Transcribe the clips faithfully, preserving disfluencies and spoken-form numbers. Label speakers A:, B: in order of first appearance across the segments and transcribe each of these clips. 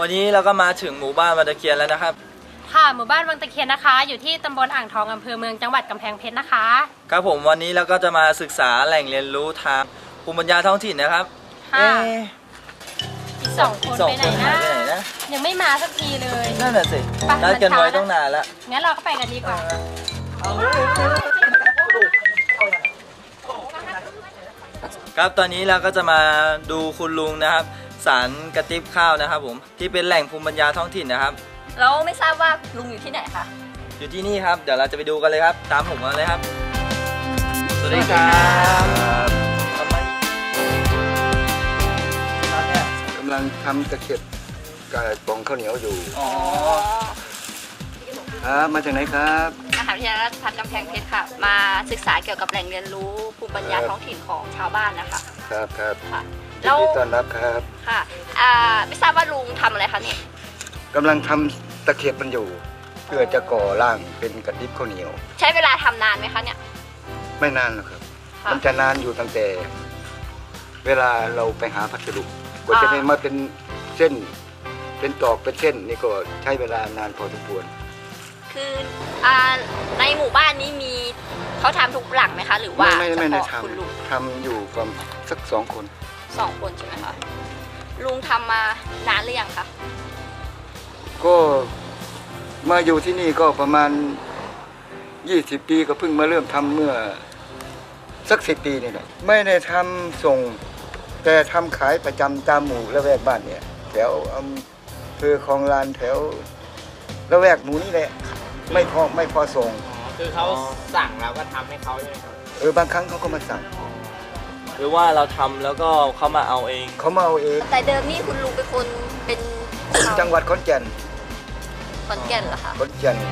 A: วันนี้เราก็มาถึงหมู่บ้านวังตะเคียนแล้วนะครับ
B: ค่ะหมู่บ้านวังตะเคียนนะคะอยู่ที่ตำบลอ่างทองอำเภอเมืองจังหวัดกำแพงเพชรนะคะ
A: ครับผมวันนี้เราก็จะมาศึกษาแหล่งเรียนรู้ทางภูมิปัญญาท้องถิ่นนะครับ
B: ค่ะอีกสองคนไปไหนนะยังไม่มาสักทีเลย
A: นั่นแหละสินัดกันไว้ต้องนานแล้ว
B: งั้นเราก็ไปกันดีกว่า
A: ครับตอนนี้เราก็จะมาดูคุณลุงนะครับสารกระติบข้าวนะครับผมที่เป็นแหล่งภูมิปัญญาท้องถิ่นนะครับ
C: เราไม่ทราบว่าลุงอยู่ที่ไหนคะ
A: อยู่ที่นี่ครับเดี๋ยวเราจะไปดูกันเลยครับตามผมมาเลยครับสวัสดีครับ
D: กำลังทำตะเข็บกับปองข้าวเหนียวอยู่
A: อ๋อ
D: ครับมาจากไหนครับ
C: มหาวิทยาลัยราชภัฏกำแพงเพชรค่ะมาศึกษาเกี่ยวกับแหล่งเรียนรู้ภูมิปัญญาท้องถิ่นของชาวบ้านนะคะ
D: ครับครับ
C: ค่ะ
D: ยินดีต้อนรับครับ
C: ค่ะอ่าไม่ทราบว่าลุงทำอะไรคะเนี่ย
D: กำลังทำตะเข็บมันอยู่เพื่อจะก่อร่างเป็นกระติบข้าวเหนียว
C: ใช้เวลาทำนานไหมคะเนี่ย
D: ไม่นานหรอกครับมันจะนานอยู่ตั้งแต่ เวลาเราไปหาพัสดุกว่าจะได้มาเป็นเส้นเป็นตอกเป็นเส้นนี่ก็ใช้เวลานานพอสมควร
C: คืออ่าในหมู่บ้านนี้มีเขาทำทุกหลังไหมคะหรือว่า
D: ไม่ไม่ได้ท
C: ำ
D: ทำอยู่ประมาณสักสองคน
C: สองคนใช่ไหมคะลุงทำมานานหรือยังคะ
D: ก็มาอยู่ที่นี่ก็ประมาณยี่สิบปีก็เพิ่งมาเริ่มทำเมื่อสักสิบปีนี่แหละไม่ได้ทำส่งแต่ทำขายประจำตามหมู่ละแวกบ้านเนี่ยแถวอำเภอคลองลานแถวละแวกหนูนี่แหละไม่พอไม่พอส่ง
E: คือเขาสั่งเราก็ทำให้เขาใช่ไหมครับ
D: เออบางครั้งเขาก็มาสั่ง
A: หรือว่าเราทำแล้วก็เขามาเอาเอง
D: เขามาเอาเอง
C: แต่เดิมนี่คุณลุงเป็นคนเป็น
D: จังหวัดขอนแก่น
C: ขอนแก่นเหรอคะ
D: ขอนแก่น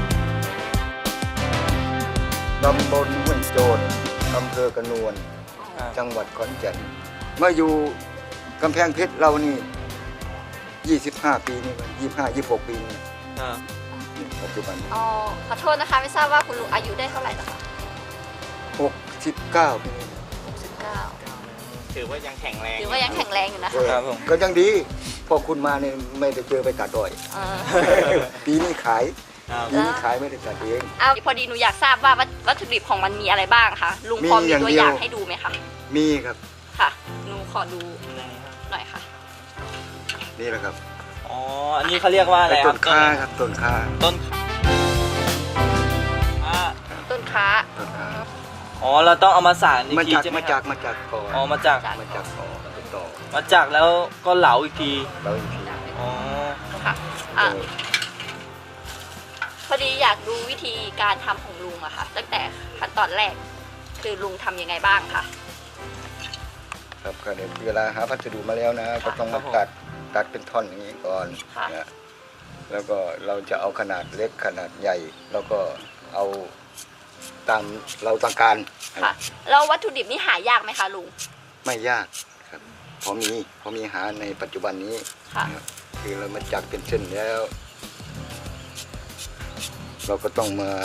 D: ตำบลห้วยโจรอำเภอกระนวนจังหวัดขอนแก่นเมื่ออยู่กำแพงเพชรเรานี่ยี่สิบห้าปีนี่ยี่สิบห้ายี่สิบหกปีนี่ปัจจุบัน
C: อ๋อขอโทษนะคะไม่ทราบว่าคุณลุงอายุได้เท่าไหร่นะคะ
D: หกสิบเก้าปี
C: หกสิบเก้า
E: ถือว่ายังแข็งแรง
C: ถือว่ายังแข็งแรงอยู่นะคะ
D: ก็ยังดีพอคุณมาเนี่ยไม่ได้เจอไปตัดดอยปีนี้ขายปีนี้ขายไม่ได้ตัดเอง
C: อ้าวพอดีหนูอยากทราบว่าวัตถุดิบของมันมีอะไรบ้างคะลุงพอมีตัวอย่างให้ดูไหมคะ
D: มีครับ
C: ค่ะหนูขอดูหน่อยค่ะ
D: นี่แหละครับ
A: อ๋ออันนี้เขาเรียกว่าอะไรครับ
D: ต้นค้าครับต้นค้า
A: ต้น
C: ต้นค้า
A: อ๋อเราต้องเอามาสานอีกที
D: ใช่ไหมมาจากมาจากก่อน
A: อ๋อมาจาก
D: มาจากก่อนต่อ
A: มาจากแล้วก็เหลาอีกที
D: เหลาอีกที
A: อ๋อ
C: ค่ะอ่ะพอดีอยากดูวิธีการทำของลุงอะค่ะตั้งแต่ขั้นตอนแรกคือลุงทำยังไงบ้างค่ะ
D: ครับก็เดี๋ยวเวลาหาพัสดุมาแล้วนะก็ต้องมาตัดตัดเป็นท่อนอย่างนี้ก่อนนะแล้วก็เราจะเอาขนาดเล็กขนาดใหญ่แล้วก็เอาตามเราต้องการ
C: ค่ะแล้ววัตถุดิบนี่หายากไหมคะลุง
D: ไม่ยากครับพอมีพอมีหาในปัจจุบันนี้คือเรามาจักเป็นเส้นแล้วเราก็ต้องมา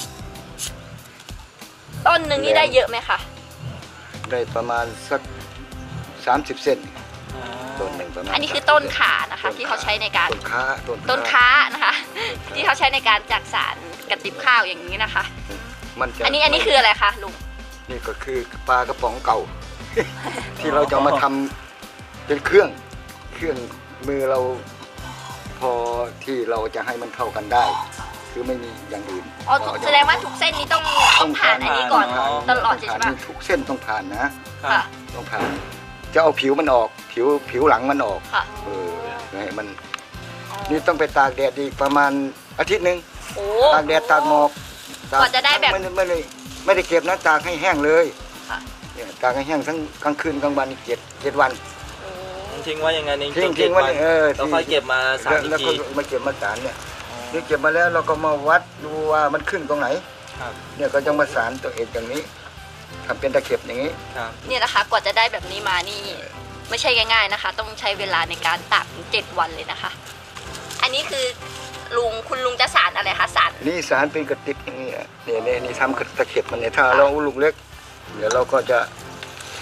C: ต้นหนึ่งนี่ได้เยอะไหมคะ
D: ได้ประมาณสักสามสิบเซนต้นหนึ่งประมาณ
C: อันนี้คือต้นขานะคะที่เขาใช้ในการ
D: ต้นค้า
C: ต้นค้านะคะที่เขาใช้ในการจักสารกระติบข้าวอย่างนี้นะคะอันนี้อันนี้คืออะไรคะลุง
D: นี่ก็คือปลากระป๋องเก่าที่เราจะมาทำเป็นเครื่องเครื่องมือเราพอที่เราจะให้มันเข้ากันได้คือไม่มีอย่างอื่น
C: อ๋อแสดงว่าทุกเส้นนี้ต้องต้องผ่านอันนี้ก่อนตลอดใช่ไหม
D: ทุกเส้นต้องผ่านนะต้องผ่านจะเอาผิวมันออกผิวผิวหลังมันออกเออให้มันนี่ต้องไปตากแดดอีกประมาณอาทิตย์หนึ่งตากแดดตากหมอก
C: กว่าจะได้แบบ
D: ไม่ไม่ได้ไม่ได้เก็บนะตากให้แห้งเลยเนี่ยตากให้แห้งทั้งกลางคืนกลางวันอีกเจ็ดเจ็ดวัน
A: ทิ้งไว้ยังไงนี่
D: ทิ้งทิ้งไว้เออ
A: เราค่อยเก็บมาสาร
D: แล้วก็มาเก็บมาสารเนี่ยนี่เก็บมาแล้วเราก็มาวัดดูว่ามันขึ้นตรงไหนเนี่ยก็จะมาสารตัวเองอย่างนี้ทำเป็นตะเข็บอย่างนี้
C: เนี่ยนะคะกว่าจะได้แบบนี้มานี่ไม่ใช่ง่ายๆนะคะต้องใช้เวลาในการตากถึงเจ็ดวันเลยนะคะอันนี้คือลุงคุณลุงจะสารอะไรคะสาร
D: นี่สารเป็นกระติกอย่างนี้เนี่ยเนี่ยนี่ทำตะเข็บมันเนี่ยถ้าเราลูกเล็กเดี๋ยวเราก็จะ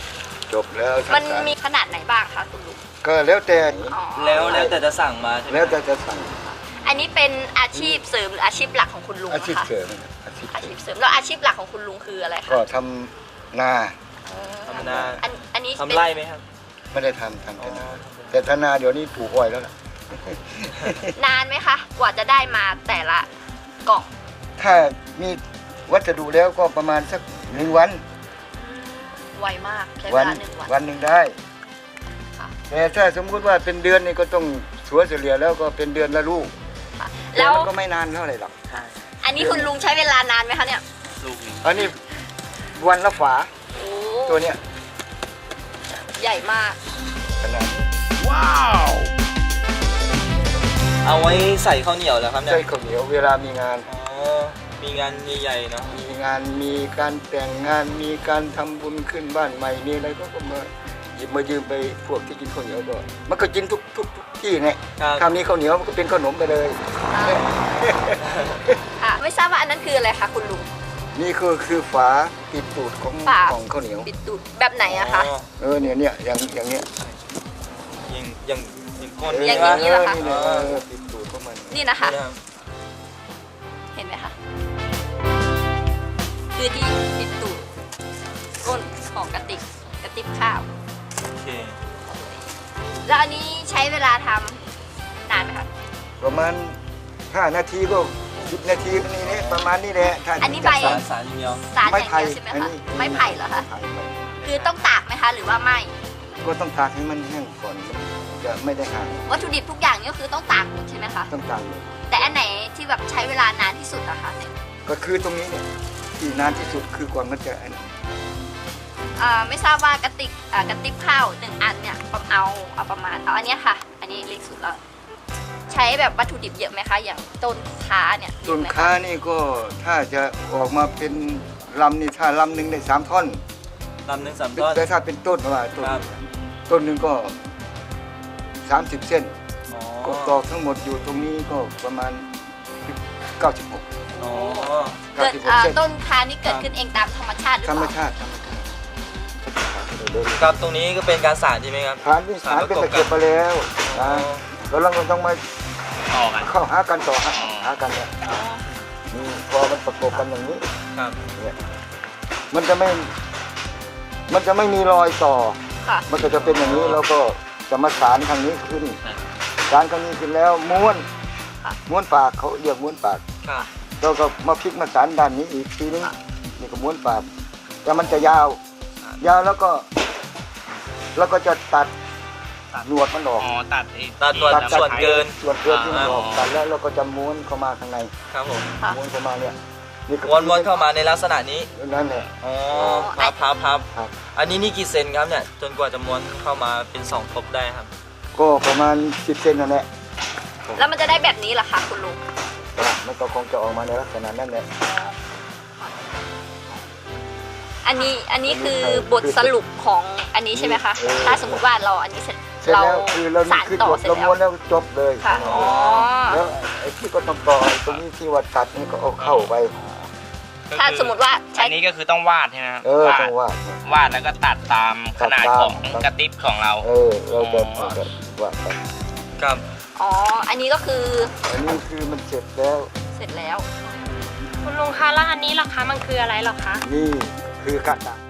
D: จบแล้ว
C: มัน
D: ทำการ
C: มีขนาดไหนบ้างคะคุณลุง
D: ก็แล้วแต่
C: อ๋อ
A: แล้วแล้วแต่จะสั่งมาใช่ไหม
D: แล้วแต่จะสั่ง
C: อันนี้เป็นอาชีพเสริมหรืออาชีพหลักของคุณลุง
D: อาชีพ
C: นะคะ
D: เสริมนะอาชีพ
C: อา
D: เสริ
C: ชี
D: ม
C: พเสริมแล้วอาชีพหลักของคุณลุงคืออะไรคะ
D: ก็ทำนา
A: ทำนา
C: อันอันนี้
A: ทำ
C: เป็น
A: ไร่ไหมครับ
D: ไม่ได้ทำทำแต่นาแต่ถ้านาเดี๋ยวนี้ปลูกอ้อยแล้วล่ะ
C: นานไหมคะกว่าจะได้มาแต่ละกล่อง
D: ถ้ามีวัสดุแล้วก็ประมาณสักหนึ่งวัน
C: ไวมากใช้เว
D: วัน
C: ลาหนึ่งวัน
D: วันหนึ่งได้
C: ค่ะ
D: แต่ถ้าสมมุติว่าเป็นเดือนนี่ก็ต้องสัวเฉลี่ยแล้วก็เป็นเดือนละลูก
C: ค่ะ
D: แต่
C: แล้ว
D: มันก็ไม่นานเท่าไหร่หรอก
C: อันนี้คุณลุงใช้เวลานานไหมคะเนี่ย
A: ลูกหนึ่ง
D: อันนี้วันละฝา
C: โอ้
D: ตัวเนี้ย
C: ใหญ่มาก
D: ขนาด
A: เอาไว้ใส่ข้าวเหนียวแล้วครับเนี่ย
D: ใส่ข้าวเหนียวเวลามีงาน
A: อ๋อมีงานใหญ่ๆเนาะ
D: มีงานมีการแต่งงานมีการทำบุญขึ้นบ้านใหม่มีอะไรก็ก็มาหยิบมายืมไปพวกที่กินข้าวเหนียวก็มันก็กินทุกทุกทุกที่เนี่ย
A: ครับ
D: คำนี้ข้าวเหนียวมันก็เป็นขนมไปเลย
C: ค่ะไม่ทราบว่าอันนั้นคืออะไรคะคุณลุง
D: นี่คือคือฝาปิดตูดของ
C: ฝา
D: ของข้าวเหนียว
C: ปิดตูดแบบไหนอะคะ
A: อ๋อ
D: เออเนี่ยเนี่ยอย่างอย่างเนี้ย
A: อย่างอย่างอย่างก้น
C: อ
A: นี้
C: ย่าง
A: ว่า
C: นี้เหรอคะ
D: นี่เนี่ยเออปิดตูดของมัน
C: นี่นะคะ
A: นี่นะครับ
C: เห็นไหมคะ คือที่ปิดตูดก้นของกระติกกระติบข้าว
A: โอเค
C: แล้วอันนี้ใช้เวลาทำนานไหมคะ
D: ประมาณห้านาทีก็สิบนาทีนี่เนี่ยประมาณนี้แหละถ้า
C: อันนี้ใบ
A: สารสารอย่างเดียว
C: สารอย่างเดียวใช่ไหม
D: อัน
C: คะ
D: นี้
C: ไม้ไผ่เหรอคะ
D: ไผ่ไผ่
C: คือต้องตากไหมคะ หรือว่าไม่
D: ก็ต้องตากให้มันแห้งก่อนมันจะไม่ได้ห่าง
C: วัตถุดิบทุกอย่างนี่ก็คือต้องตากหมดใช่ไหมคะ
D: ต้องตากเลย
C: แต่อันไหนที่แบบใช้เวลานานที่สุดอะคะเนี่ย
D: ก็คือตรงนี้เนี่ยที่นานที่สุดคือก่อนมันจะอันนี้
C: อ่าไม่ทราบว่ากระติกอ่ากระติบข้าวหนึ่งอันเนี่ยเอาเอาประมาณเอาอันเนี้ยค่ะ อันนี้เล็กสุดแล้ว ใช้แบบวัตถุดิบเยอะไหมคะ อย่างต้นค้าเนี่ยเย
D: ต้
C: อะ
D: น
C: ไหมคะ
D: ค้านี่ก็ถ้าจะออกมาเป็นลำนี่ถ้าลำหนึ่งได้สามท่อน
A: ลำหนึ่งสามต้น
D: แต่ถ้าเป็นต้นว่าต้น
A: ครับ
D: ต้นหนึ่งก็สามสิบเส้น
A: อ๋อ
D: ก็ตอกทั้งหมดอยู่ตรงนี้ก็ประมาณเก้าสิบหก
A: อ๋อ
C: เกิด
D: 96
C: อ่า
D: เส้น
C: ต้นค้านี่เกิดขึ้นเองตามธรรมชาติหรือ
D: ธร
C: เป
D: รม
C: ล่า
D: ชาติธรรมชาติ
A: ครับตรงนี้ก็เป็นการสารใช่ไหมครับ
D: ฐานที่ฐานเป็นตะเกียบไปแล้ว
A: อ๋อ
D: นะแล้วเราก็ต้องมา
E: ต่อกัน
D: เข้าหากันต่อหา
E: อ๋อ
D: หากันเนี่ย
C: อ๋อ
D: นี่พอมันประกบกันอย่างนี้
A: ครับ
D: เนี่ยมันจะไม่มันจะไม่มีรอยต่อ
C: ค่ะ
D: มันก็จะเป็นอย่างนี้แล้วก็จะมาสารทางนี้ขึ้นสารทางนี้ขึ้นแล้วม้วน
C: ค่ะ
D: ม้วนปากเขาเรียกม้วนปาก
A: ครับ
D: เราก็มาพลิกมาสารด้านนี้อีกทีนึงนี่ก็ม้วนปากแต่มันจะยาว ยาวแล้วก็ แล้วก็จะตัดหนวดมันออก
E: อ๋อตัดไอ้
A: ตัดหนวด
E: ที่
A: ส่วนเกิน
D: ส่วนเกินที่มันออก
E: อ๋อ
D: ตัดแล้วเราก็จะม้วนเข้ามาข้างใน
A: ครับผม
C: ค่ะ
D: ม้วนเข้ามาเนี่ยนี่ก็
A: วนๆเข้ามาในลักษณะนี้
D: นั่นแหละ
A: อ๋อพับพับพับ
D: ครับ
A: อันนี้นี่กี่เซนครับเนี่ย จนกว่าจะม้วนเข้ามาเป็นสองทบได้ครับ
D: ก็ประมาณสิบเซนนั่นแหละ
C: แล้วมันจะได้แบบนี้เหรอคะคุณลุง
D: มันก็คงจะออกมาในลักษณะนั้นแหละ
C: อันนี้อันนี้คือบทสรุปของอันนี้ใช่ไหมคะ
D: เออ
C: ถ้าสมมติว่าเราอันนี้เสร็จ
D: เสร็จ
C: เรา
D: แล้วคือเรา
C: สาร
D: คือ
C: ต่อ
D: จบ
C: เสร็จ
D: เรา
C: แล้
D: ม้
C: ว
D: วนแล้วจบเลย
C: ค่ะ อ๋อ
D: แล้วไอ้ที่ก็ต้องต่อไอ้ตรงนี้ที่ว่าตัดนี่ก็เอาเข้าไป
C: ถ้าสมมติว่าใช้
E: อันนี้ก็คือต้องวาดใช่ไหมครับ
D: เออ
E: วาด
D: ต้องวาด
E: วาดแล้วก็ตัดตามขนาด
D: ตัดตาม
E: ของกระติบของเรา
D: เออเราจะ
E: อ๋อ
D: เราจะวาดไป
A: ครับ
C: อ๋อ อันนี้ก็คือ
D: อันนี้คือมันเสร็จแล้ว
C: เสร็จแล้ว
B: คุณลุงคะแล้วอันนี้ล่ะคะมันคืออะไรเหรอคะ
D: นี่คือกระดาษ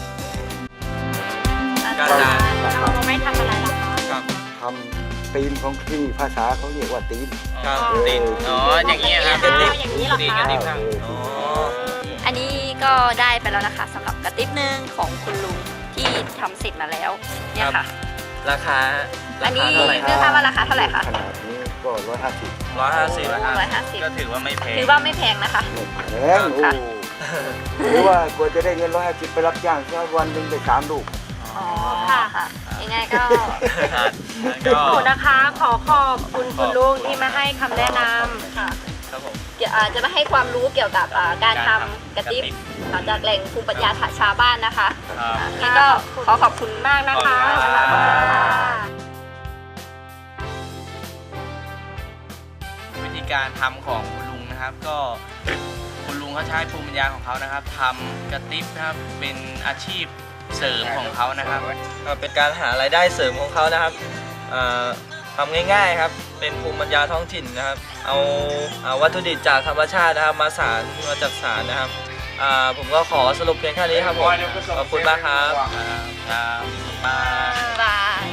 A: การดาษ
B: เราเอาไว้ทำอะไรเหรอคะ
A: ครับ
D: ทำตีนของที่ภาษาเขาเรียกว่าตีน
A: ครับ
E: ตีนอ๋ออย่างนี้ยครับ
B: กระติบอย่างนี้เหรอ
E: ตีน
B: คะ
E: กระติบข้าง
A: อ๋อ
C: อันนี้ก็ได้ไปแล้วนะคะสำหรับกระติบหนึ่งของคุณลุงที่ทำเสร็จมาแล้ว เนี่ยค่ะ
A: ราคา
C: อั
A: ราน
C: นี้
A: คาเท่าไหร่
C: ไม่ทราบว่าราคาเท่าไหร่คะ
D: ขนาดนี้ก็ร้อยห้าสิบ
A: ร้อยห้าสิบ
C: ร้อยห้าสิบ
E: ก็ถือว่าไม่แพง
C: ถือว่าไม่แพงนะคะ
D: แพงโอ้หรือว่ากว่าจะได้เงินร้อยห้าสิบไปรับจ้างแค่วันหนึ่งได้สามลูก
C: อ๋อ ค่ะค่ะ ยังไงก็
E: ก็
B: หนูนะคะ ขอขอบคุณคุณลุงที่มาให้คำแนะนำ
C: ค่ะ
A: ครับผม
C: เดี๋ยวอ่าจะมาให้ความรู้เกี่ยวกับอ่าการทำกระติบจากแหล่งภูมิปัญญาชาวบ้านนะคะ
E: ครับ
C: นี่ก็ขอขอบคุณมากนะคะ
E: ขอบคุณครับ
C: ขอบคุณค่ะ
E: วิธีการทำของคุณลุงนะครับ ก็คุณลุงเขาใช้ภูมิปัญญาของเขานะครับทำกระติบนะครับเป็นอาชีพเสริมของเขานะครับ
A: ก็เป็นการหารายได้เสริมของเขานะครับอ่าทำง่ายๆครับเป็นภูมิปัญญาท้องถิ่นนะครับ เอาเอาวัตถุดิบจากธรรมชาตินะครับ มาสารมาจากสารนะครับอ่าผมก็ขอสรุปเพียงแค่นี้ครับผมขอบคุณมากครับ
E: ครับบาย
C: บาย